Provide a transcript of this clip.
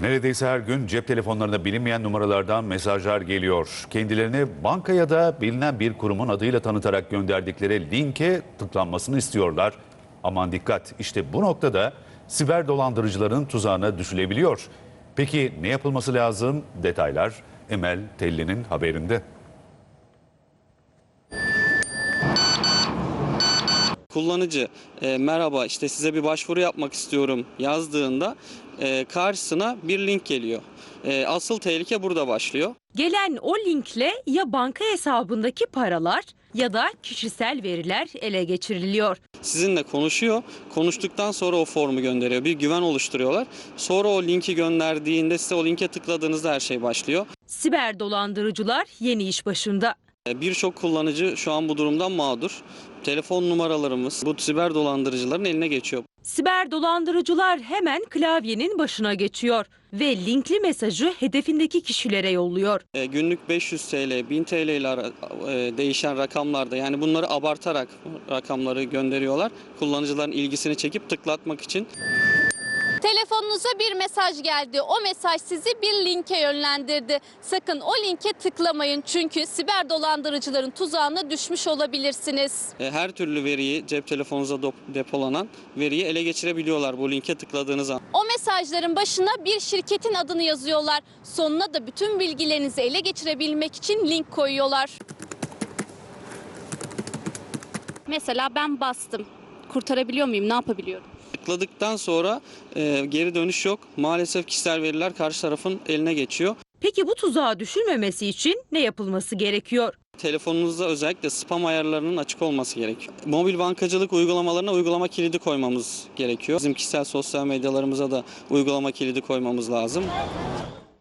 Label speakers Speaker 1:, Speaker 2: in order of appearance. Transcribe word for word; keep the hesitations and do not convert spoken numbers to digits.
Speaker 1: Neredeyse her gün cep telefonlarına bilinmeyen numaralardan mesajlar geliyor. Kendilerini banka ya da bilinen bir kurumun adıyla tanıtarak gönderdikleri linke tıklanmasını istiyorlar. Aman dikkat, işte bu noktada siber dolandırıcıların tuzağına düşülebiliyor. Peki ne yapılması lazım? Detaylar Emel Telli'nin haberinde.
Speaker 2: Kullanıcı e, merhaba işte size bir başvuru yapmak istiyorum yazdığında e, karşısına bir link geliyor. E, asıl tehlike burada başlıyor.
Speaker 3: Gelen o linkle ya banka hesabındaki paralar ya da kişisel veriler ele geçiriliyor.
Speaker 2: Sizinle konuşuyor. Konuştuktan sonra o formu gönderiyor. Bir güven oluşturuyorlar. Sonra o linki gönderdiğinde size o linke tıkladığınızda her şey başlıyor.
Speaker 3: Siber dolandırıcılar yeni iş başında.
Speaker 2: E, Birçok kullanıcı şu an bu durumdan mağdur. Telefon numaralarımız bu siber dolandırıcıların eline geçiyor.
Speaker 3: Siber dolandırıcılar hemen klavyenin başına geçiyor ve linkli mesajı hedefindeki kişilere yolluyor.
Speaker 2: E, günlük beş yüz TL, bin TL ile ara- e, değişen rakamlarda, yani bunları abartarak rakamları gönderiyorlar. Kullanıcıların ilgisini çekip tıklatmak için.
Speaker 4: Telefonunuza bir mesaj geldi. O mesaj sizi bir linke yönlendirdi. Sakın o linke tıklamayın çünkü siber dolandırıcıların tuzağına düşmüş olabilirsiniz.
Speaker 2: E, Her türlü veriyi, cep telefonunuza dop- depolanan veriyi ele geçirebiliyorlar bu linke tıkladığınız an.
Speaker 4: O mesajların başına bir şirketin adını yazıyorlar. Sonuna da bütün bilgilerinizi ele geçirebilmek için link koyuyorlar. Mesela ben bastım. Kurtarabiliyor muyum? Ne yapabiliyorum?
Speaker 2: Tıkladıktan sonra e, geri dönüş yok. Maalesef kişisel veriler karşı tarafın eline geçiyor.
Speaker 3: Peki bu tuzağa düşülmemesi için ne yapılması gerekiyor?
Speaker 2: Telefonunuzda özellikle spam ayarlarının açık olması gerekiyor. Mobil bankacılık uygulamalarına uygulama kilidi koymamız gerekiyor. Bizim kişisel sosyal medyalarımıza da uygulama kilidi koymamız lazım.